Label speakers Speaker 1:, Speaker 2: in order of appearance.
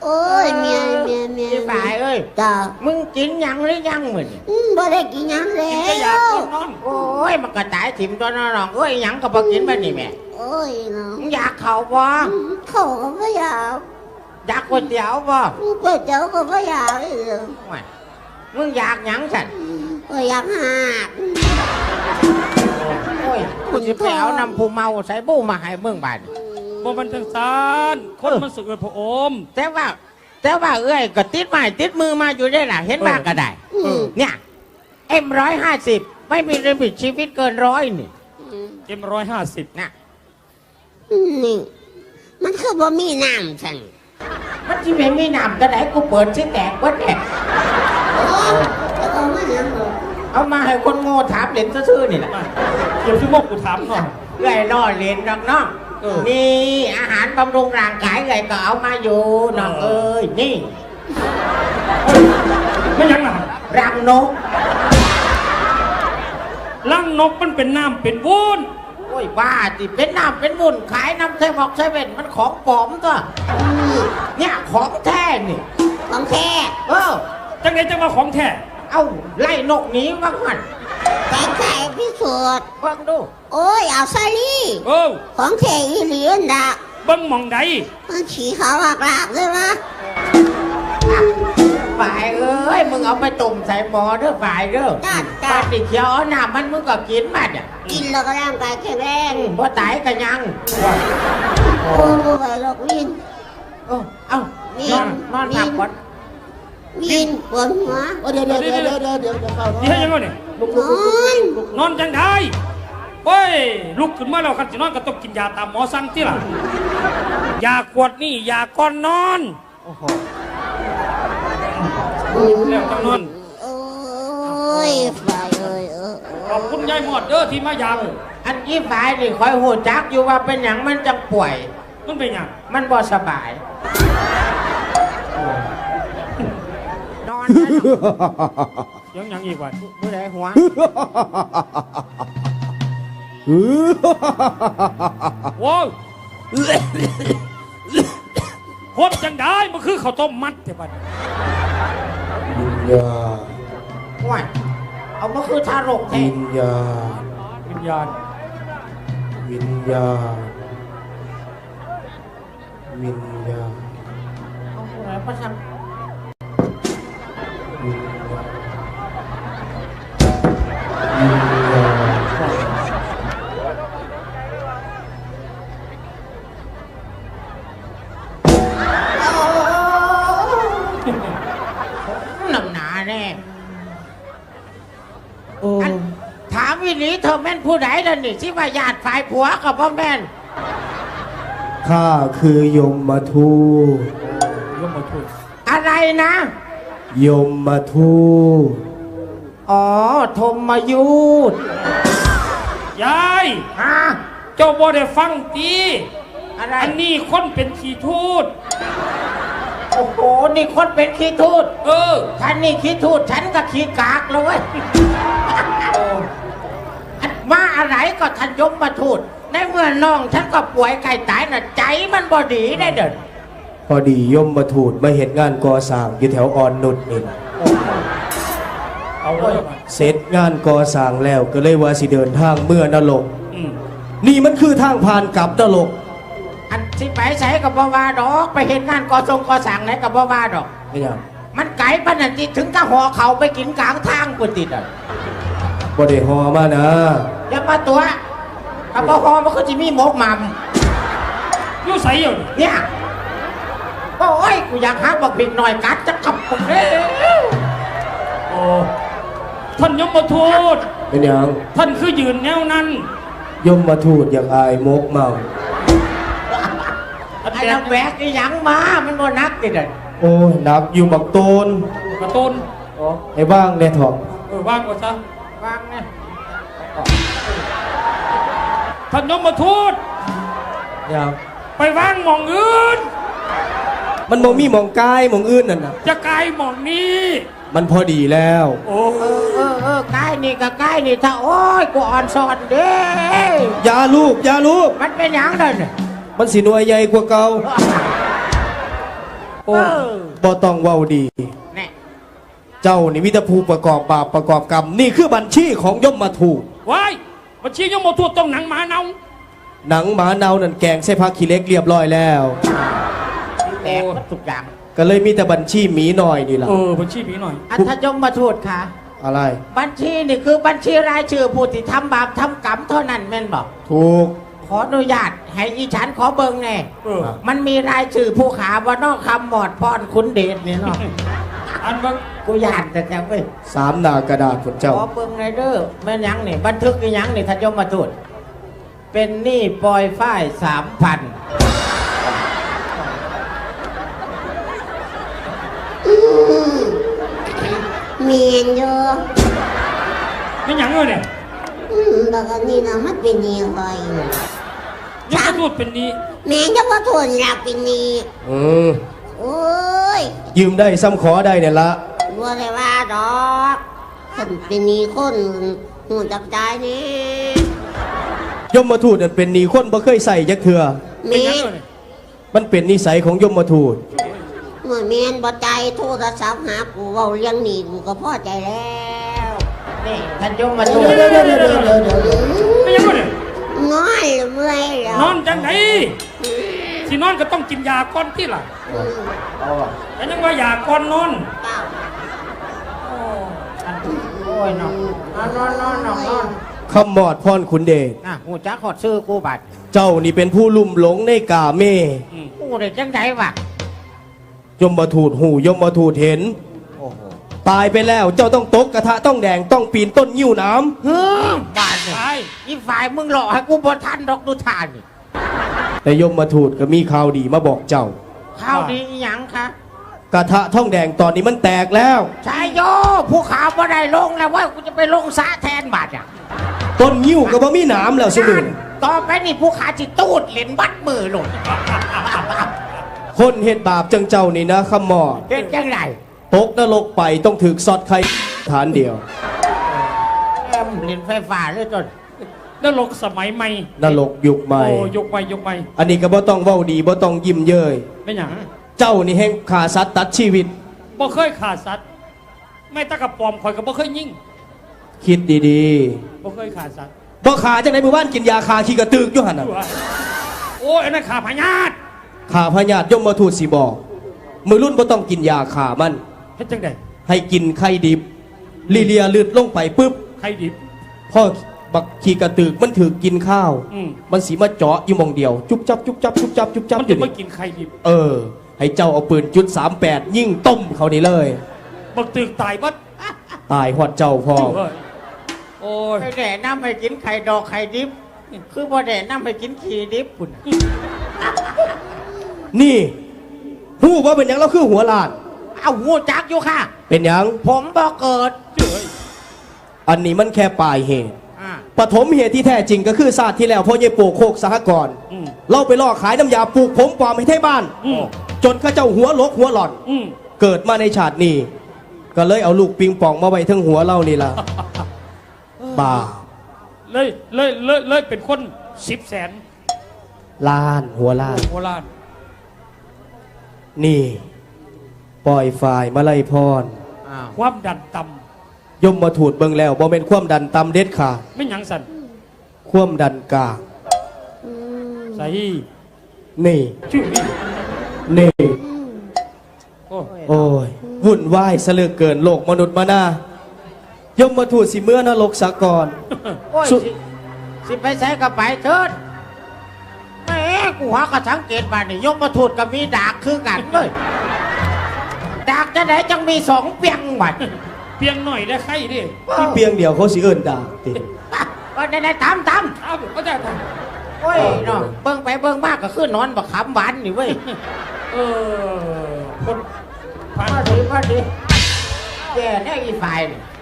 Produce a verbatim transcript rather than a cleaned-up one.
Speaker 1: โอ้ยเมียเมียเมีย
Speaker 2: พี่ฝ่ายเอ้ย
Speaker 1: จ้า
Speaker 2: มึงกินยังหรือยังมึง
Speaker 1: อืมบ่ได้กินหยังแล้
Speaker 2: กินก็อยาก
Speaker 1: ว
Speaker 2: กินนอนโอ้ยมันก็ตายถิ่มตัวน้องเอ้ยหยังก็บ่กินแบบนี้แม่
Speaker 1: โอ้ยเนาะ
Speaker 2: มึงอยากเข่าบ่
Speaker 1: อืมเขาก็บ่อยาก
Speaker 2: อยากก๋วยเตี๋ยวบ่
Speaker 1: ก๋วยเตี๋ยวก็บ่อยากเลย
Speaker 2: ไม่มึงอยากหยังฉัน
Speaker 1: ก็อยากหาก
Speaker 2: โอ้ยกูสิไปเอาน้ำผู้เมาใส่บู้มาให้มึงบาด
Speaker 3: บ่มันจังซานคนมันสึกเลยพระอม
Speaker 2: แต่ว่า แต่ว่าเอ้ยก็ติดไม้ติดมือมาอยู่ได้ล่ะเห็นบ้างก็ได้
Speaker 1: อืม
Speaker 2: เนี่ยเอ็มร้อยห้าสิบไม่มีลิมิตชีวิตเกินร้อยนี่
Speaker 3: เอ็มร้อยห้าสิบ
Speaker 2: นะ
Speaker 1: นี่มันคือบ่มีน้ำฉัน
Speaker 2: มันที่เป็นมีน้ำก็ได้กูเปิดชิ้นแตกวัดแหละ
Speaker 1: โอ้ยแล้วก็มาหยังบ่
Speaker 2: เอามาให้คนโง่ถามเล่นซื่อๆนี่แหละ
Speaker 3: เดี๋ยวพี่โมกกูถามหน่อย
Speaker 2: เอ้ยล่อเล่นน้องน้อง
Speaker 3: เออ
Speaker 2: นี่อาหารบำรุงร่างกายเอ้ยก็เอามาอยู่น้องเอ้ยนี่
Speaker 3: ไม่ยังนะ
Speaker 2: รังนก
Speaker 3: ลังนกมันเป็นน้ำเป็นวุ้น
Speaker 2: โอ้ยบ้าจิเป็นน้ำเป็นบุญขายน้ำเซบอกเซเว่นมันของปลอมตัว
Speaker 1: อืม
Speaker 2: เนี่ยของแท้นี่
Speaker 1: ของแท้
Speaker 2: เออ
Speaker 3: จังไงจังว่าของแท้
Speaker 2: เอาไล่นกหนีบ้างหัน
Speaker 1: แต่แท้พิสูจน์
Speaker 2: เบิ่งดู
Speaker 1: โอ้ยเอาซะลี่
Speaker 3: โอ้
Speaker 1: ของแท้อีหลีอันดะ
Speaker 3: เบิ้งหมองใด
Speaker 1: มันฉี่ขาวหลากหลากเลยวะ
Speaker 2: ฝ่ายเอ้ยมึงเอาไปตุ่มใส่หม้อเด้อฝ่ายเด้อ
Speaker 1: จ้า
Speaker 2: ป
Speaker 1: จ้า
Speaker 2: ฏิเขียวเอาน้ำมันมึงก็กินมาเนี่ย
Speaker 1: กินแล้วก็ร่างกายแข็งแรง
Speaker 2: บ่ตายกันยัง
Speaker 1: โอ้ยไปหรอกวิน
Speaker 2: เออเอานอนนอนพักก่อน
Speaker 1: วินปวดหัวโอ้เดี๋ยวเดี๋ยวเดี๋ยวเดี๋ยวเดี๋ยวเดี๋ยวเดี๋ยวเดี๋ยว
Speaker 3: นี่ให้ยังไงเนี่ย
Speaker 1: นอน
Speaker 3: นอนจังได้โอ้ยลุกขึ้นมาแล้วคันสินอนก็ต้องกินยาตามหมอสั่งที่ล่ะยาขวดนี่ยาก่อนนอน
Speaker 2: โอ้โห
Speaker 3: แล้วจังนอน
Speaker 1: โอ้ยไฟเอ้ยเออ
Speaker 3: ขอบคุณยายหมอดเด้อที่มายาม
Speaker 2: อันนี้ฝ่ายนี่คอยหูจักอยู่ว่าเป็นอย่างมันจะป่วย
Speaker 3: มันเป็นหยัง
Speaker 2: มันบ่สบาย นอนนะ
Speaker 3: ยังยังอีกวัน
Speaker 2: ผู้ใดหัว
Speaker 3: โว้ยโคตรจังได้มันคือข้าวต้มมัดเถอะบัด
Speaker 4: วิญญาณ
Speaker 2: ว่าเอามาคือทารกแท้
Speaker 4: วิญญาณ
Speaker 3: วิญญาณ
Speaker 4: วิญญาณวิญญาณ
Speaker 2: เอาผู้ใดมาสั่ง
Speaker 4: วิญญาณวิญญาณ
Speaker 2: หนำหนาแน่
Speaker 4: โอ้
Speaker 2: อันถามวินีเธอแม่นผู้ใดล่ะนี่ที่ว่าญาติฝ่ายผัวกับพ่อแม่น
Speaker 4: ข้าคือยมมาทูต
Speaker 3: ยมมาทุน
Speaker 2: อะไรนะ
Speaker 4: ยมมาทูต
Speaker 2: อ๋อธมมายุทธ
Speaker 3: ยาย
Speaker 2: ฮะ
Speaker 3: เจ้าบ่ได้ฟังตี
Speaker 2: อะไร
Speaker 3: อันนี้คนเป็นขี้ทูต
Speaker 2: โอ้โหนี่คนเป็นขี้ทูต
Speaker 3: เออ
Speaker 2: ฉันนี่ขี้ทูตฉันก็ขี้กากเลยเว้ยมาอะไรก็ทันยมมาทูตในเมื่อน้องฉันก็ป่วยไก่ตายน่ะใจมันบอดีได้เดิน
Speaker 4: พอดียมมาทูตมาเห็นงานก่อสร้างอยู่แถวอ่อนนุชนี่
Speaker 3: เอาไว้บัด
Speaker 4: เสร็จงานก่อสร้างแล้วก็เลยว่าสิเดินทางเมื่อนรก
Speaker 3: อืม
Speaker 4: นี่มันคือทางผ่านกลับนรก
Speaker 2: อันสิไปใส่กับบาวาดอกไปเห็นงานก่อทรงก่อสั่งไหนกับบาวาดอก
Speaker 4: ไม่ยัง
Speaker 2: มันไก่ปานนันติถึงกับหอเขาไปกินกลางทางปุ่นติดอ่ะ
Speaker 4: บ่ได้หอมานะ
Speaker 2: อย่ามาตัวกับบหอมันก็จะมีหมกหมัม
Speaker 3: อยู่ใส่อยู่นี่
Speaker 2: เนี่ยโอ้ยกูอยากหาบักบิกหน่อยกัดจะขับผมเลย
Speaker 3: โอ้ท่านยมมาทูต
Speaker 4: เป็นหยัง
Speaker 3: ท่านคือยืนแนวนั้น
Speaker 4: ยมมาทูตอยากอายมกเมา
Speaker 3: อัน
Speaker 2: ไอ้
Speaker 3: แบ
Speaker 2: เรา
Speaker 3: บ
Speaker 2: แบกไอ้หยังมามันบ่นักติดอ่ะ
Speaker 4: โอ้ยหนักอยู่บักโตน
Speaker 3: กระตุน
Speaker 4: ให้บ้างเนี่ยเถอะ
Speaker 3: เออว่างก็ซะ
Speaker 2: วางเนี่ย
Speaker 3: ท่านยมมาทูต
Speaker 4: ยัง
Speaker 3: ไปว่างหมองอื่น
Speaker 4: มันมองมีหมองกายหมองอื่นนั่นน่ะ
Speaker 3: จะกลายหมองนี้
Speaker 4: มันพอดีแล้ว
Speaker 3: โอ้
Speaker 2: เออเออเออใกล้นี่ก็ใกล้นี่ถ้าโอ้ยกูอ่อนสอนเด้
Speaker 4: อยาลูกอยาลูก
Speaker 2: มันเป็นหยังเดิน
Speaker 4: มันสิหน่วยใหญ่กว่าเก่า
Speaker 3: โอ้
Speaker 2: เออ
Speaker 4: บ่ต้องเว้าดี
Speaker 2: แน่
Speaker 4: เจ้านี่มิตรภูประกอบบาปประกอบกรรมนี่คือบัญชีของยมมาถูก
Speaker 3: ว้ายบัญชียมมาทูตต้องหนังหมาเนา
Speaker 4: หนังหมาเนานั่นแกงใส่ผักขี้เหล็กเรียบร้อยแล้ว
Speaker 2: แตกหมดทุกอย่าง
Speaker 4: ก็เลยมีแต่บัญชีหมีหน่อยนี่ล่ะ
Speaker 3: เออบัญชีมีหน่อย
Speaker 2: อัธยมมาทูตค่ะ
Speaker 4: อะไร
Speaker 2: บัญชีนี่คือบัญชีรายชื่อผู้ที่ทำบาปทำกรรมเท่านั้นแม่นบอก
Speaker 4: ถูก
Speaker 2: ขออนุญาตให้อีฉันขอเบิงแน่
Speaker 3: เออ
Speaker 2: มันมีรายชื่อผู้ขาว่านอกคำหมอดพรคุณเดชเนี่ยเนาะ
Speaker 3: อันว่า
Speaker 2: กูยานแต่แต่เว้ย
Speaker 4: สามหน้ากระดาษผล
Speaker 2: ข
Speaker 4: เจ้า
Speaker 2: อเบิงในอยเด้อแม่นยังนี่บันทึกอีหยังนี่ทันยมมาทูตเป็นหนี้ปล่อยฝ้ายสามพัน
Speaker 1: เมียนอยู่
Speaker 3: ไม่หยังเลยเนี่ย
Speaker 1: อืมบอกว่านี่นะมันเป็นนี่คอย
Speaker 3: ยมมาทูตเป็นนี้
Speaker 1: แม่จะว่าทนอยากเป็นนี่
Speaker 4: อืม
Speaker 1: โอ้ย
Speaker 4: ยืมได้ซ้ำขอได้เนี่ยละ
Speaker 1: บัวเลยว่าดอกคนเป็นนี่คนหูจับใจนี่
Speaker 4: ยมมาทูตนั่นเป็นหนีคนบ่เคยใส่จักเถื่อ
Speaker 3: เป็น
Speaker 1: แม่
Speaker 3: หยังเลยเนี่ย
Speaker 4: มันเป็นนิสัยของยมมาทูต
Speaker 1: เมื่อแม่นบ่ใจโทรศัพท์หากูเว้าเรื่องนี่กูก็พอใจแล้ว
Speaker 2: นี่ทันยมมาทูต
Speaker 1: เดี๋ยวเดี๋ยวเดี๋ยวเดี๋ยวเดี๋ยวเดี๋ยว
Speaker 3: ไม่หยังเลยเนี่ย
Speaker 1: นอนหรือเมื่อยแล้ว
Speaker 3: นอนจังไหนสินอนก็ต้องกินยาก่อนที่ล่ะแต่ยังว่ายาก่อนนอน
Speaker 1: เปล่า
Speaker 2: โอ้ยเนาะนอนนอนนอนนอนนอน
Speaker 4: คำมอดพรขุนเดช
Speaker 2: อ่ะหูจักขอดซื้อกูบัตร
Speaker 4: เจ้านี่เป็นผู้ลุ่มหลงในกาเม
Speaker 3: อืม
Speaker 2: กูได้จังไดวะ
Speaker 4: ยมมาทูตหูยมมาทูตเห็น
Speaker 2: โอ้โห
Speaker 4: ตายไปแล้วเจ้าต้องตกกระทะต้องแดงต้องปีนต้นยิ้วน้
Speaker 2: เฮ้อบาทเนี่ย
Speaker 3: ไป
Speaker 2: อีฝ่ายมึงหลอกให้กูบ่ทันดอกดูทานนี่
Speaker 4: ำแต่ยมมาทูตก็มีข่าวดีมาบอกเจ้า
Speaker 2: ข้าวดีอีหยังคะ
Speaker 4: กระทะท่องแดงตอนนี้มันแตกแล้ว
Speaker 2: ชายโยผู้ขาวบ่ได้ลงแล้วว่ากูจะไปลงสระแทนบาทอ่ะ
Speaker 4: ต้นยิ้วก็บ่มีหน้ำแล้วสมุน
Speaker 2: ต่อไปนี่ผู้ขาจิตูดเหรียญบัดมือลง
Speaker 4: คนเฮ็ดบาปจังเจ้านี่นะคำมอด
Speaker 2: เฮ็ดจังไร
Speaker 4: ตกนรกไปต้องถึกซอดไข่ฐานเดียว
Speaker 2: แอมเหรียญไฟฟ้าเลยจน
Speaker 3: นรกสมัยใหม่
Speaker 4: นรกยุคใหม่
Speaker 3: โอ้ยกไปยกไป
Speaker 4: อันนี้ก็บ่ต้องเว้าดีบ่ต้องยิ้มเย้ย
Speaker 3: ไม่หยัง
Speaker 4: เจ้านี่แห่งขาสัตว์ตัดชีวิต
Speaker 3: บ่เคยขาดสัตว์ไม่ตะกับปอมข่อยก็บ่เคยยิง
Speaker 4: คิดดี
Speaker 3: บ่เคยขาดสัตว์
Speaker 4: ๆบ่ขาจังไดมื้อวานกินยาคาขี้กระตึกอยู่หั่นน่ะ
Speaker 3: โอ้ยอันนั้นขาพญาต
Speaker 4: ขาพญาติยมมาทูตสิบอกมือรุ่นบ่ต้องกินยาขามัน
Speaker 3: เฮ็ดจังได๋
Speaker 4: ให้กินไข่ดิบลีเลียลืดลงไปปุ๊บ
Speaker 3: ใครดิบ
Speaker 4: พ่อบักขี้กระตึกมันถือกินข้าว
Speaker 3: อืม
Speaker 4: มันสีมาเจาะอยู่หมองเดียว จุ๊บจับจุ๊บจับจุ๊บจับจุ๊บจับ
Speaker 3: มัน
Speaker 4: อ
Speaker 3: จะ
Speaker 4: ยู่
Speaker 3: ไม่
Speaker 4: นี่
Speaker 3: กินใครดิบ
Speaker 4: เออ ให้เจ้าเอาปืนจุดสามแปดยิ่งต้มเขานี่เลย
Speaker 3: บักตึกตายบัด
Speaker 4: ตายหอดเจ้าพ่อ
Speaker 3: เฮ้ยโอ้ย
Speaker 2: ไม่แด่น้ำให้กินไข่ดอกไข่ดิบ คือบ่แด่น้ำให้กินขี้ดิบปุ่น
Speaker 4: นี่หู้ว่าเป็นหยังเราคือหัวลาน
Speaker 2: เอาหูจักอยู่ค่ะ
Speaker 4: เป็นหยัง
Speaker 2: ผมบ่เกิด
Speaker 3: เจ้ย
Speaker 4: อันนี้มันแค่ปลายเหตุ
Speaker 2: อ่า
Speaker 4: ปฐมเหตุที่แท้จริงก็คือศาสตร์ที่แล้วพ่อเยโปโคกสหกรณ์
Speaker 3: อืม
Speaker 4: เราไปล่อขายน้ำยาปลูกผมปลอมให้ไทบ้าน
Speaker 3: อืม
Speaker 4: จนเข้าเจ้าหัวลกหัวหล่อน
Speaker 3: อืม
Speaker 4: เกิดมาในชาตินี้ ก็เลยเอาลูกปิงปองมาไว้ทั้งหัวเรานี่ล่ะ บ้า
Speaker 3: เลยเลยเลยเลยเป็นคนสิบแสน
Speaker 4: ล้านหัวล้าน
Speaker 3: โบราณ
Speaker 4: นี่ ปล่อยฝ่ายมาไล่พร
Speaker 2: อ้าว
Speaker 3: ความดันต่
Speaker 4: ยมมาถูดเบิงแล้วบ่เป็นความดันต่ำเด็ดขาด
Speaker 3: ำไม่หยังสัน
Speaker 4: ความดันกลาง
Speaker 3: ใส่
Speaker 4: นี่
Speaker 3: ชื่อนี่
Speaker 4: นี่
Speaker 3: โอ้
Speaker 4: โอ้ยวุ่นวายซะเหลือเกินโลกมนุษย์มานายมมาถูดสิเมื่อนรกสากร
Speaker 2: โอ้ย
Speaker 4: สุ
Speaker 2: สิสิไปใช้กับไปเถิดแหม่กูหากระสังเกตมานี่ยมมาถูดกับมีดากคือกันเลยดากจะไหนจังมีสองเปียงบัด
Speaker 3: เพียงหน่อยได้ใครดิ
Speaker 4: ที่เพียงเดียวเขาสิเอิ้นด่าติ
Speaker 2: ก็ได้ได้ตามตาม
Speaker 3: เอาก็จะท
Speaker 2: โอ้ยเนาะเบิ่งไปเบิ่งมากก็คือนอนบักขำหวานนี่เว้ย
Speaker 3: ำเออคนผ่าน
Speaker 2: มาดีมาดีแย่แน่อีฝ่ายนี่